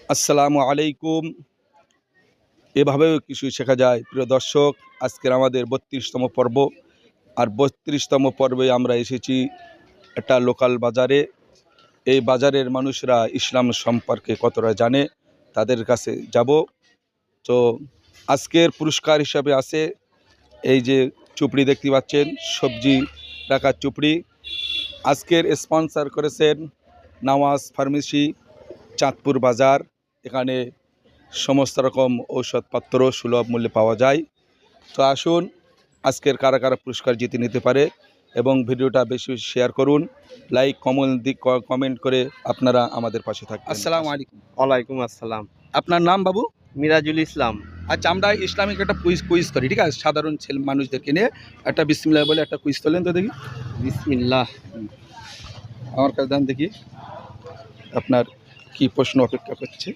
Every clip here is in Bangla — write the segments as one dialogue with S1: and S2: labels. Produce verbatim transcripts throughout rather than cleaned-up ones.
S1: আসসালামু আলাইকুম। এভাবেও কিছু শেখা যায়। প্রিয় দর্শক, আজকের আমাদের বত্রিশতম পর্ব। আর বত্রিশতম পর্বে আমরা এসেছি একটা লোকাল বাজারে। এই বাজারের মানুষরা ইসলাম সম্পর্কে কতটা জানে তাদের কাছে যাব। তো আজকের পুরস্কার হিসাবে আছে এই যে চুপড়ি দেখতে পাচ্ছেন, সবজি রাখার চুপড়ি। আজকের স্পন্সর করেছেন নওয়াজ ফার্মেসি, চাঁদপুর বাজার। এখানে সমস্ত রকম ঔষধপত্র সুলভ মূল্যে পাওয়া যায়। তো আসুন, আজকের কারা কারা পুরস্কার জিতে নিতে পারে এবং ভিডিওটা বেশি বেশি শেয়ার করুন, লাইক কমেন্ট দিক কমেন্ট করে আপনারা আমাদের পাশে থাকবেন। আসসালামু আলাইকুম।
S2: ওয়ালাইকুম আসসালাম।
S1: আপনার নাম বাবু?
S2: মিরাজুল ইসলাম।
S1: আচ্ছা, আমরা ইসলামিক একটা কুইজ কুইজ করি, ঠিক আছে? সাধারণ ছেলে মানুষদেরকে নিয়ে একটা বিসমিল্লাহ বলে একটা কুইজ তোলেন তো দেখি।
S2: বিসমিল্লাহ।
S1: আমার কাছে দেন দেখি আপনার কি প্রশ্ন অপেক্ষা করছে।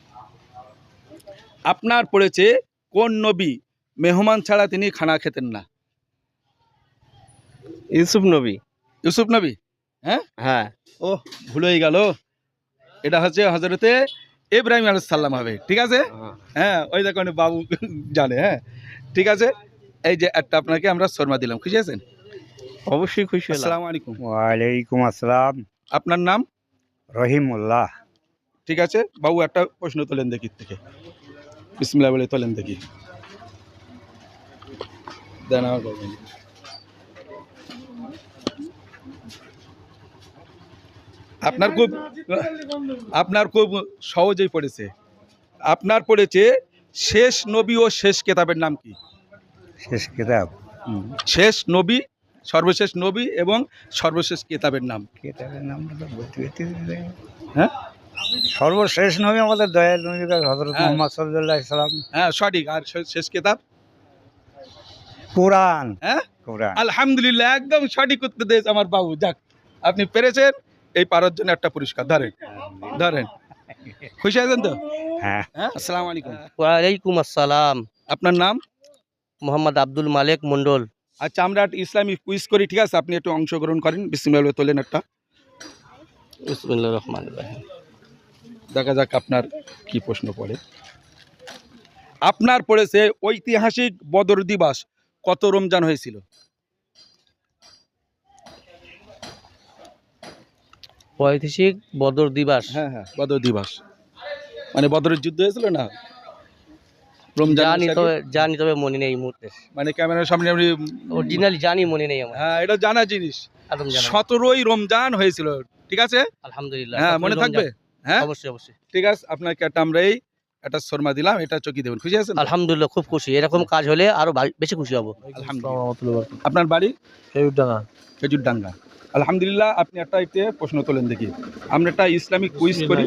S1: আপনার পড়েছে কোন নবী মেহমান ছাড়া তিনি খানা খেতেন না?
S2: ইউসুফ নবী।
S1: ইউসুফ নবী? হ্যাঁ
S2: হ্যাঁ।
S1: ও, ভুল হয়ে গেল। এটা হচ্ছে হজরতে ইব্রাহিম আলাইহিস সালাম হবে, ঠিক আছে? হ্যাঁ, ওই দেখুন বাবু জানে। হ্যাঁ, ঠিক আছে। এই যে একটা আপনাকে আমরা শর্মা দিলাম, খুশি আছেন?
S2: অবশ্যই খুশি হলাম।
S1: আসসালামু আলাইকুম।
S3: ওয়ালাইকুম আসসালাম।
S1: আপনার নাম?
S3: রহিমুল্লাহ।
S1: ঠিক আছে বাবু, একটা প্রশ্ন তোলেন দেখি থেকে, বিসমিল্লাহ বলে তোলেন দেখি। দেন আমার বাবু। আপনার খুব আপনার খুব সহজেই পড়েছে। আপনার পড়েছে শেষ নবী ও শেষ কেতাবের নাম কি?
S3: শেষ কিতাব।
S1: শেষ নবী, সর্বশেষ নবী এবং সর্বশেষ কেতাবের নাম।
S3: কিতাবের নামটা তো বলতে বলতে
S1: হ্যাঁ,
S3: সর্বশেষ নবী আমাদের দয়াল নবী হযরত
S1: হ্যাঁ।
S3: মুহাম্মদ সাল্লাল্লাহু আলাইহি সাল্লাম।
S1: হ্যাঁ সঠিক। আর শে- শেষ কেতাব?
S3: কোরআন।
S1: হ্যাঁ,
S3: কোরআন।
S1: আলহামদুলিল্লাহ, একদম সঠিক উত্তর দিয়েছে আমার বাবু। যাক, আপনি পেরেছেন। এই পারার জন্য একটা পুরস্কার ধরেন, ধরেন। খুশি আছেন তো?
S3: হ্যাঁ।
S1: হ্যাঁ, আসসালামু আলাইকুম।
S2: ওয়ালাইকুম আসসালাম।
S1: আপনার নাম?
S2: মোহাম্মদ আব্দুল মালেক মন্ডল।
S1: আচ্ছা, আমরা একটা ইসলামিক কুইজ করি, ঠিক আছে? আপনি একটু অংশগ্রহণ করেন, বিসমিল্লাহ বলে তোলেন একটা।
S2: বিসমিল্লাহির রহমানির রহিম।
S1: দেখা যাক আপনার কি প্রশ্ন পড়ে। আপনার পড়েছে ঐতিহাসিক বদর দিবস কত রমজান হয়েছিল?
S2: ঐতিহাসিক বদর দিবস।
S1: হ্যাঁ হ্যাঁ, বদর দিবস মানে বদরের যুদ্ধ হয়েছিল না রমজান
S2: জানি
S1: মাসে?
S2: তবে জানি তবে মনে নেই এই মুহূর্তে।
S1: মানে ক্যামেরার সামনে আপনি
S2: অরিজিনালি জানি, মনে নেই আমার।
S1: হ্যাঁ, এটা জানা জিনিস।
S2: একদম জানা।
S1: সতেরোই রমজান হয়েছিল, ঠিক আছে?
S2: আলহামদুলিল্লাহ।
S1: হ্যাঁ,
S2: সতেরোই
S1: মনে
S2: রমজান।
S1: থাকবে। হ্যাঁ,
S2: অবশ্যই অবশ্যই।
S1: ঠিক আছে। আপনাকে একটা আমরা এই একটা শর্মা দিলাম, এটা চকি দেবেন, খুশি আছেন?
S2: আলহামদুলিল্লাহ, খুব খুশি। এরকম কাজ হলে আরো বা- বেশি খুশি হব।
S1: আলহামদুলিল্লাহ। আপনার বাড়ি? খেজুরডাঙ্গা। আলহামদুলিল্লাহ, আপনি একটা এতে প্রশ্ন তোলেন দেখি। আমরা একটা ইসলামিক কুইজ করি।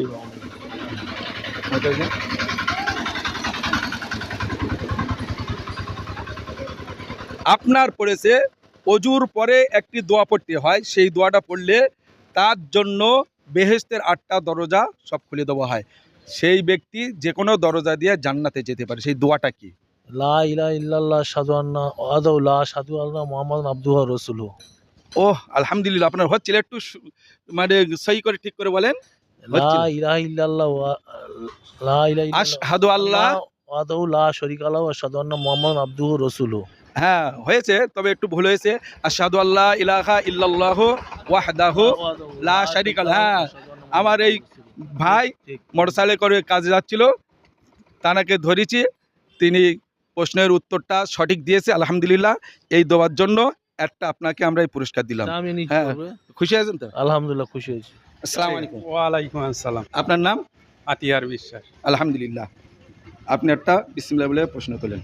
S1: আপনার পড়েছে অজুর পরে একটি দোয়া পড়তে হয়, সেই দোয়াটা পড়লে তার জন্য বেহেশতের আটটা দরজা সব খুলে দেওয়া হয়। সেই ব্যক্তি যে কোনো দরজা দিয়ে জান্নাতে যেতে পারে। সেই দোয়াটা কি?
S4: লা ইলাহা ইল্লাল্লাহ শাদু আন্না ওয়াদাউ লা শাদু আল্লাহ মুহাম্মাদুন আবদুহু ওয়া রাসূলুহু।
S1: ওহ, আলহামদুলিল্লাহ, আপনার হচ্ছিল। একটু সু- মানে সহি করে ঠিক করে বলেন।
S4: লা
S1: হচ্ছিল।
S4: ইলাহা ইল্লাল্লাহ ওয়া লা ইলাহা ইল্লাল্লাহ
S1: আশহাদু আল্লাহ।
S4: ওয়াদাউ লা শারীকা লাহু ওয়া শাদু আন্না মুহাম্মাদুন আবদুহু ওয়া রাসূলুহু।
S1: হ্যাঁ হয়েছে, তবে একটু ভুল হয়েছে। আশহাদু আল্লাহ ইলাহা ইল্লাল্লাহু ওয়াহদাহু লা শারীকা লাহু। হ্যাঁ, আমার এই ভাই মোটরসাইকেলে করে কাজে যাচ্ছিল, তানাকে ধরেছি, তিনি প্রশ্নের উত্তরটা সঠিক দিয়েছে। আলহামদুলিল্লাহ, এই দেওয়ার জন্য একটা আপনাকে আমরা এই পুরস্কার দিলাম।
S4: আমি নিচ্ছি
S1: হ্যাঁ,
S4: তবে।
S1: খুশি আছেন তো?
S4: আলহামদুলিল্লাহ, খুশি হয়েছি।
S1: আসসালামু আলাইকুম।
S5: ওয়ালাইকুম আসসালাম।
S1: আপনার নাম?
S5: আতিয়ার বিশ্বাস।
S1: আলহামদুলিল্লাহ, আপনি একটা বিসমিল্লাহ বলে প্রশ্ন তোলেন।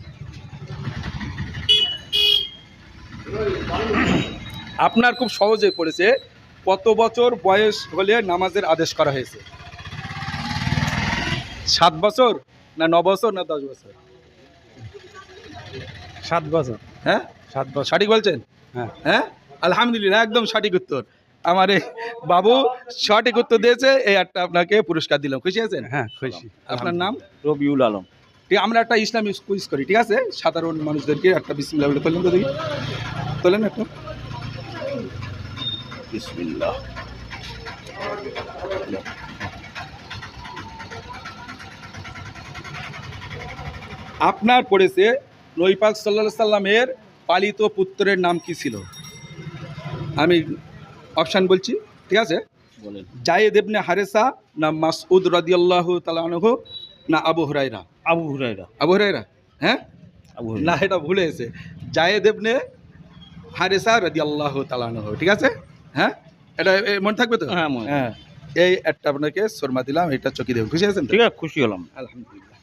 S1: আপনার খুব সহজে পড়েছে কত বছর বয়স হলে নামাজের আদেশ করা হয়েছে? সাত বছর না ন বছর না দশ বছর?
S5: সাত বছর।
S1: হ্যাঁ,
S5: সাত বছর।
S1: সঠিক বলছেন?
S5: হ্যাঁ।
S1: হ্যাঁ, আলহামদুলিল্লাহ, একদম সঠিক উত্তর। আমার এই বাবু সঠিক উত্তর দিয়েছে, এই একটা আপনাকে পুরস্কার দিলাম, খুশি আছেন?
S5: হ্যাঁ, খুশি।
S1: আপনার নাম?
S3: রবিউল আলম।
S1: ঠিক, আমরা একটা ইসলামিক কুইজ করি, ঠিক আছে? সাধারণ মানুষদেরকে একটা বিসমিল্লাহ বলে তোলেন তো দেখি। তোলেন একটা।
S3: বিসমিল্লাহ।
S1: আপনার পড়েছে নবী পাক সাল্লাল্লাহু সাল্লামের পালিত পুত্রের নাম কি ছিল? আমি অপশান বলছি, ঠিক আছে?
S3: বলেন।
S1: জায়েদ ইবনে হারেসা, না মাসউদ রাদিয়াল্লাহু তাআলা আনহু, না আবু হুরায়রা?
S3: আবু হুরায়রা।
S1: আবু হুরায়রা, হ্যাঁ
S3: আবু
S1: না, এটা ভুলে গেছে। জায়েদ ইবনে হারেসা রাদিয়াল্লাহু তাআলা আনহু, ঠিক আছে? হ্যাঁ, এটা এ, মনে থাকবে তো?
S3: হ্যাঁ মনে-
S1: হ্যাঁ, এই একটা আপনাকে শর্মা দিলাম, এটা চকি দেব, খুশি আছেন তো?
S3: ঠিক আছে, খুশি হলাম।
S1: আলহামদুলিল্লাহ।